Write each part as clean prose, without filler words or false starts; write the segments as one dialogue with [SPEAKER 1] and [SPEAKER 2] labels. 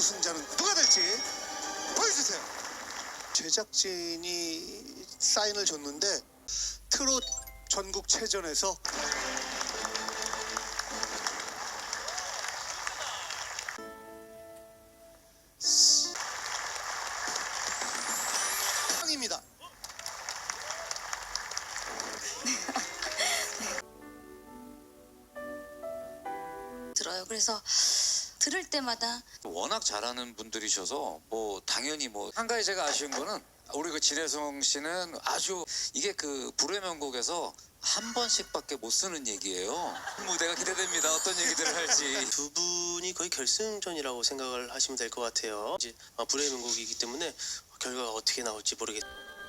[SPEAKER 1] 우승자는 누가 될지 보여주세요. 제작진이 사인을 줬는데 트롯 전국체전에서 입니다.
[SPEAKER 2] 들어요. 그래서 들을 때마다
[SPEAKER 3] 워낙 잘하는 분들이셔서 뭐 당연히 뭐 한 가지 제가 아쉬운 거는 우리 그 진혜성 씨는 아주 이게 그 불후의 명곡에서 한 번씩밖에 못 쓰는 얘기예요. 무대가 기대됩니다. 어떤 얘기들을 할지.
[SPEAKER 4] 두 분이 거의 결승전이라고 생각을 하시면 될 것 같아요. 이제 불후의 명곡이기 때문에 결과가 어떻게 나올지 모르겠어요.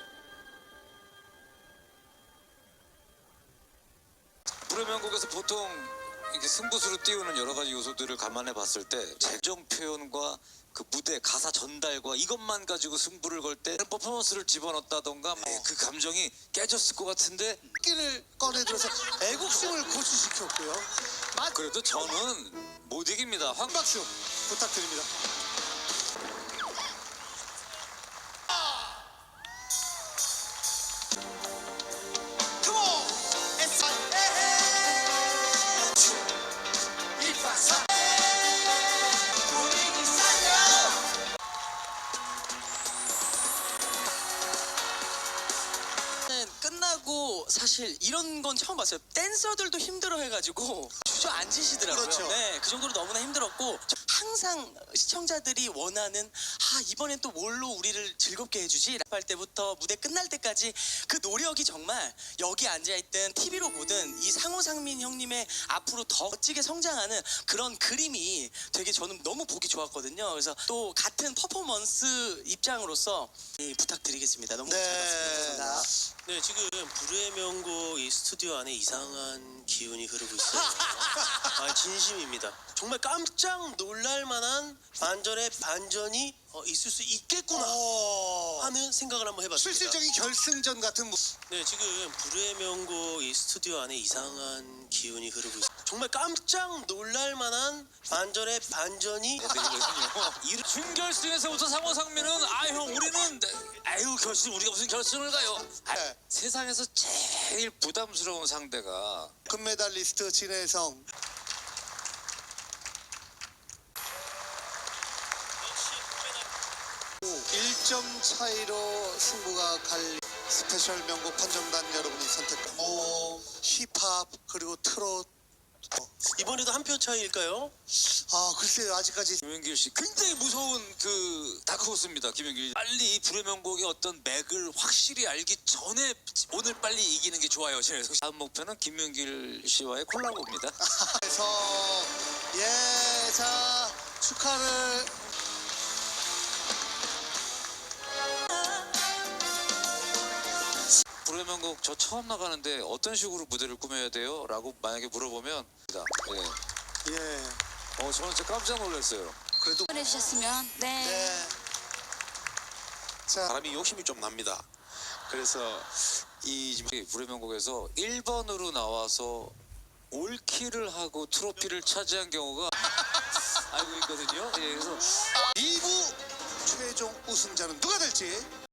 [SPEAKER 3] 불후의 명곡에서 보통 이게 승부수로 띄우는 여러 가지 요소들을 감안해 봤을 때 재정 표현과 그 무대 가사 전달과 이것만 가지고 승부를 걸 때 퍼포먼스를 집어넣었다던가 그 감정이 깨졌을 것 같은데
[SPEAKER 1] 끼를 꺼내들어서 애국심을 고취시켰고요.
[SPEAKER 3] 그래도 저는 못 이깁니다.
[SPEAKER 1] 박수 부탁드립니다.
[SPEAKER 5] 끝나고 사실 이런 건 처음 봤어요. 댄서들도 힘들어해가지고 주저앉으시더라고요.
[SPEAKER 1] 그렇죠.
[SPEAKER 5] 네, 그 정도로 너무나 힘들었고 항상 시청자들이 원하는 이번엔 또 뭘로 우리를 즐겁게 해주지? 할 때부터 무대 끝날 때까지 그 노력이 정말 여기 앉아있든 TV로 보든 이 상호상민 형님의 앞으로 더 멋지게 성장하는 그런 그림이 되게 저는 너무 보기 좋았거든요. 그래서 또 같은 퍼포먼스 입장으로서 부탁드리겠습니다. 너무 잘 봤습니다.
[SPEAKER 4] 네, 지금 불후의 명곡 이 스튜디오 안에 이상한 기운이 흐르고 있어요. 진심입니다. 정말 깜짝 놀랄 만한 반전의 반전이 있을 수 있겠구나 하는 생각을 한번 해봤습니다.
[SPEAKER 1] 실질적인 결승전 같은
[SPEAKER 4] 네, 지금 불후의 명곡 이 스튜디오 안에 이상한 기운이 흐르고 있어요. 정말 깜짝 놀랄 만한 반전의 반전이
[SPEAKER 3] 이 준결승에서부터 상호상민은 형 우리는 결승 우리가 무슨 결승을 가요.
[SPEAKER 1] 네.
[SPEAKER 3] 세상에서 제일 부담스러운 상대가
[SPEAKER 1] 금메달리스트 진혜성. 1점 차이로 승부가 갈 스페셜 명곡 판정단 여러분이 선택한 힙합 그리고 트롯.
[SPEAKER 4] 이번에도 한 표 차이일까요?
[SPEAKER 1] 글쎄요, 아직까지.
[SPEAKER 3] 김연길 씨 굉장히 무서운 그 다크호스입니다. 김연길 빨리 이 불의 명곡의 어떤 맥을 확실히 알기 전에 오늘 빨리 이기는 게 좋아요. 다음 목표는 김연길 씨와의 콜라보입니다.
[SPEAKER 1] 그래서 자, 축하를.
[SPEAKER 3] 불의 명곡 저 처음 나가는데 어떤 식으로 무대를 꾸며야 돼요? 라고 만약에 물어보면 저는 진짜 깜짝 놀랐어요.
[SPEAKER 1] 그래도
[SPEAKER 2] 해주셨으면
[SPEAKER 1] 네. 자,
[SPEAKER 6] 사람이 욕심이 좀 납니다. 그래서 이
[SPEAKER 3] 불의 명곡에서 1번으로 나와서 올킬을 하고 트로피를 차지한 경우가 알고 있거든요. 그래서
[SPEAKER 1] 2부 최종 우승자는 누가 될지